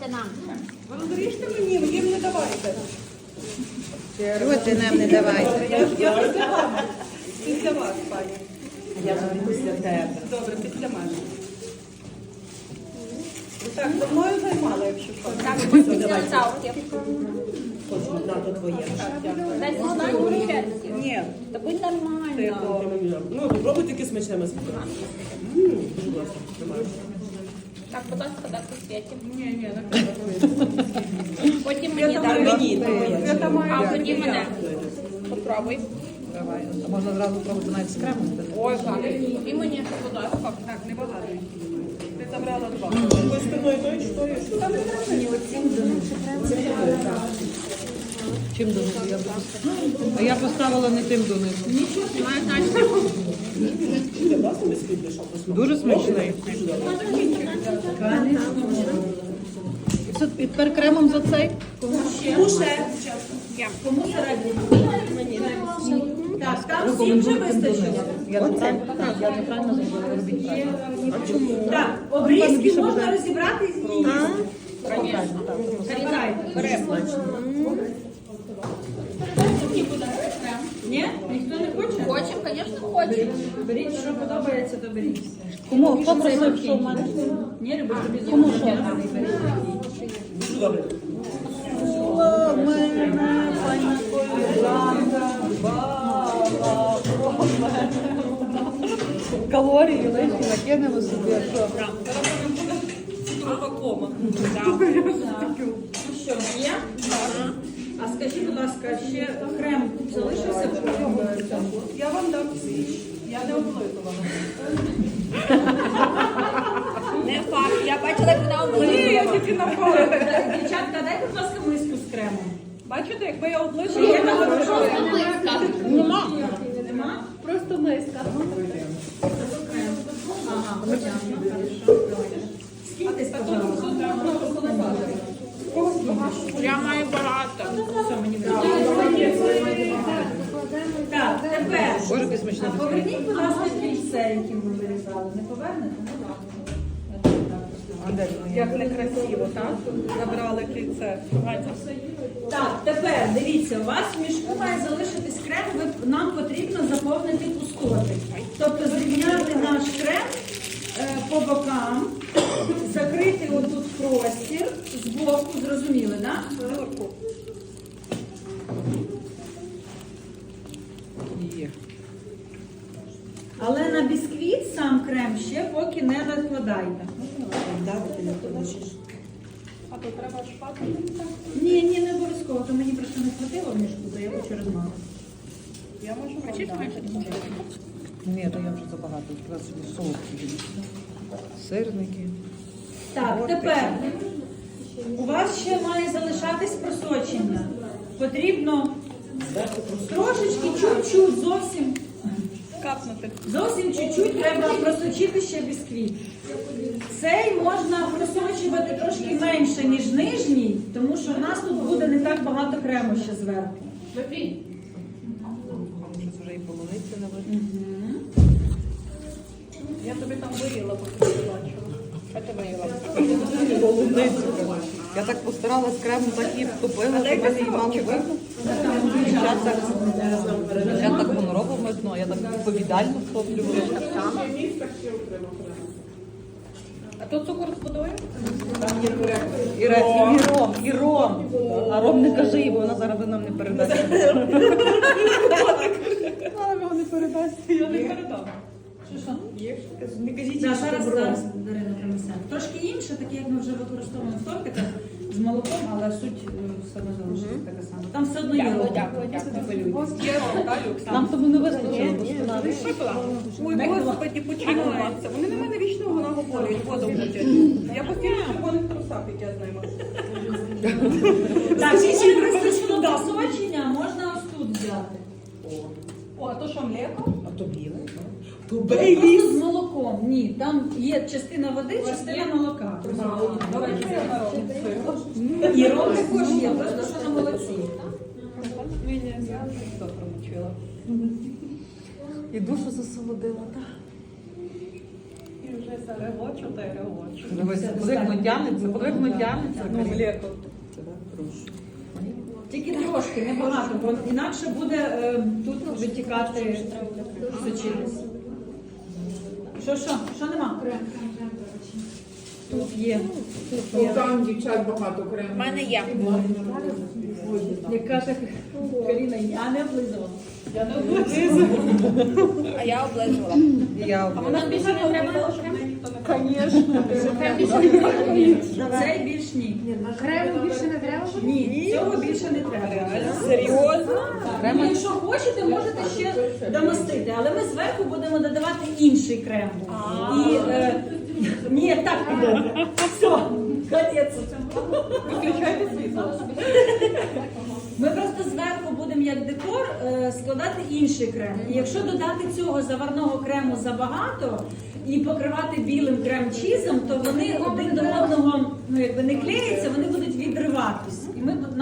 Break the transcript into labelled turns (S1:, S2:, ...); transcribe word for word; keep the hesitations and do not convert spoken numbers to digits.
S1: нам.
S2: Розріжте мені, їм не давайте.
S3: Чого ти нам не давайте?
S2: Я, я після вас. Після вас, пані.
S3: Я ж після тебе.
S2: Добре, після мене. Так, за мною займала, якщо що.
S1: Так, після цавки.
S3: Хочемо дати твоє.
S1: Дай сюди говорити.
S2: Ні.
S1: Та будь
S2: Це
S1: нормально.
S2: добре.
S4: Ну, попробуй таке смачне м'ясо. Будь ласка, тримай.
S1: Так, будь ласка, так у світі.
S2: Ні, ні, не треба.
S1: Потім мені
S2: Я
S1: дай.
S2: там
S3: Мені,
S2: Я там маю.
S1: А тоді мене. Попробуй.
S3: Давай. А можна зразу пробувати навіть з кремом?
S1: Ой, гарно. І мені, будь ласка.
S2: Так, небагато. Ти забрала два. Ось спиною той, що є. Та не треба мені оцім
S3: Чим донизу? Я буду... А я поставила не тим донизу.
S1: Має значення.
S4: Ти власне бісквіт пішов?
S3: Дуже смачний. І все, і тепер кремом за цей?
S2: Так, там всім вже вистачило.
S3: Я неправильно, я неправильно зробила, робіть правильно. А чому?
S2: Так, обрізки можна розібрати і з'їсти.
S3: Правильно, так.
S2: Забирайте. Беремо. Ні? Ніхто не хоче?
S1: Хочемо, звісно, хочемо.
S2: Беріть, що подобається, то беріть.
S3: Кому? Хто просив, що в мене?
S2: Ні, любиш, тобі
S3: Кому що?
S4: Дуже добре.
S3: О, мене, пані Колянка, баба, калорії лишні накинемо собі, а що?
S2: Кома. Ну що, є? А скажіть, будь ласка, ще крем залишився? Я вам дам всі. Я не облизувала.
S1: Не факт. Я бачила, як вона
S2: Ні, я
S1: облизувала.
S2: тільки напала. Дівчатка, дайте, будь ласка, миску з кремом. Бачите, якби я облизувала, я не облизувала.
S3: Нема.
S2: Нема?
S1: Просто миска.
S2: Ага, понятно, хорошо. Скільки сказала?
S1: Я маю багато.
S2: Все, мені вдалося. Так, тепер.
S3: Боже, який смачний.
S2: А поверніть, будь ласка, кільце, які ми вирізали. Не повернете?
S3: А де воно?
S2: Як некрасиво, так? Забрали кільце. Так, тепер дивіться, у вас в мішку має залишитись крем, ви- нам потрібно заповнити пустоти. Тобто зрівняти наш крем е, по бокам, закрити отут простір з боку, зрозуміли, так?
S3: Є.
S2: Але на бісквіт сам крем ще поки не накладайте.
S1: А то треба шпати.
S2: Ні, ні, не обов'язково, то мені просто не хватило в мішку, то я хочу розмазати.
S1: Я можу хочеш менше?
S3: Ні, то я вже забагато. Треба собі солодкі. Сирники.
S2: Так, тепер у вас ще має залишатись просочення. Потрібно трошечки, чуть-чуть, зовсім
S1: Капнути.
S2: зовсім чуть-чуть треба просочити ще бісквіт. Цей можна просочувати трошки менше, ніж нижній, тому що в нас тут буде не так багато крему ще зверху.
S1: Випій.
S3: Щось вже і полуниці не видно.
S1: Я тобі там виріла, поки ти бачила. Що ти виріла?
S3: Полуницю. Я так постаралась кремом, так і втопила, що мене її мало видно. Дівчат так, дівчат так гонорово митно, а я так відповідально втоплю.
S1: А тут цукор з водою?
S3: І, ре- і ром, і ром. А ром не кажи, бо вона зараз нам не передасть. Вона його не передасть.
S2: Я не передам. Що що?
S3: Не кажіть,
S2: Да, зараз, зараз Дарина принесе. Трошки інше, таке, як ми вже використовуємо в тортиках з молоком, але суть е, все одно залишиться така сама. Там все одно є
S1: Дякую,
S2: ром.
S1: дякую, дякую.
S2: Є ром, так, Люкс?
S3: Нам тому не вистачило, бо вона
S1: Ой, господи, починається. Вони на мене вічно вона говорять, воду будять.
S2: Я постійно в червоних трусах, як я з ними. Так, і ще вистачило просочення, можна ось тут взяти.
S1: О, а то що, млеко?
S4: А то біле? То
S2: Просто з молоком. Ні, там є частина води, частина молока.
S1: Давайте я народу.
S2: І ром також є, просто що на молоці.
S3: і душу засолодила, так?
S1: І вже Регочу та й регочу.
S3: Дивись, подивно тягнеться, подивно тягнеться.
S1: Ну, млеко.
S2: Тільки трошки, небагато, бо інакше буде е, тут витікати сочинність. Що, що? Що нема? Тут є. Тут є.
S5: Там дівчат багато крему.
S1: У мене є.
S2: Яка так Каріна, я не облизувала.
S1: Я не облизувала. А я облизувала.
S3: Я
S1: А вона більше не треба, щоб мене ніхто не
S2: Цей більш ні.
S6: Крему більше не треба?
S2: Ні, цього більше не треба.
S1: Серйозно?
S2: Ну, якщо хочете, можете ще домастити, але ми зверху будемо додавати інший крем. І, е, ні, так піде. Все, капець.
S1: Виключайте світло.
S2: Ми просто зверху будемо як декор е, складати інший крем. І якщо додати цього заварного крему забагато і покривати білим крем-чізом, то вони один до одного ну, якби не клеяться, вони